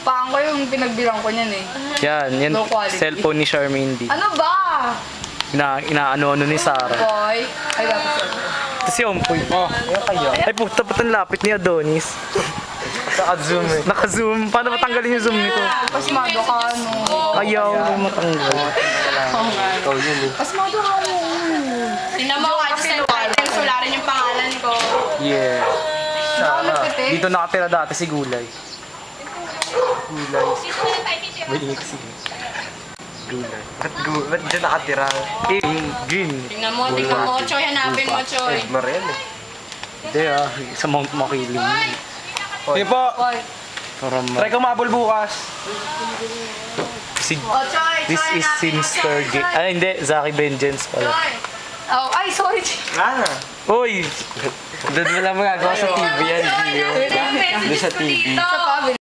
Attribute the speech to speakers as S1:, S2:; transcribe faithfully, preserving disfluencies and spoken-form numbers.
S1: Paan ko yung pinagbilang ko niyan eh.
S2: Yan, yan.
S1: Low quality.
S2: Cellphone ni Charmaine D.
S1: Ano ba?
S2: Ina, inaano-ano ni Sarah.
S1: Boy. Ay, dapat sir.
S2: Ito si Ompoy. Oh, yan kayo. Ay, puta pa ang lapit ni Adonis.
S3: Naka-zoom eh.
S2: Naka-zoom. Paano matanggalin yung zoom nito?
S1: Pasmado ka, ano.
S2: Ayaw matanggal.
S3: Ikaw yun eh.
S1: Pasmado ka, ano.
S4: Tingnan mo, kahit sa title, sularin yung pangalan ko.
S2: Yeah.
S1: Saan nagpitik?
S2: Dito nakatira dati si Gulay.
S3: Gulay. May ingay kasi. Gulay. Ba't gu- ba't dyan nakatira?
S2: Eh, green.
S4: Tingnan mo, tingnan mo, Choy, hanapin mo, Choy.
S3: Eh, Mariel eh.
S2: Hindi ah, sa Mount Makiling.
S3: Sige po.
S1: Boy.
S2: From,
S3: Try ko mabol bukas.
S2: si,
S4: Oh, Choy,
S2: this
S4: Choy,
S2: is
S4: hanapin mo,
S2: Sinister
S4: Choy,
S2: Game.
S4: Choy.
S2: Ah, hindi. Zaki Vengeance pala.
S4: Choy.
S1: Oh, ay, sorry.
S3: Ano?
S2: Uy!
S3: Doon mo lang magagawa sa T V yan, Gio.
S4: Choy, ilang messages
S3: Doon sa
S4: ko
S3: T V.
S4: dito.
S1: Sa pabili.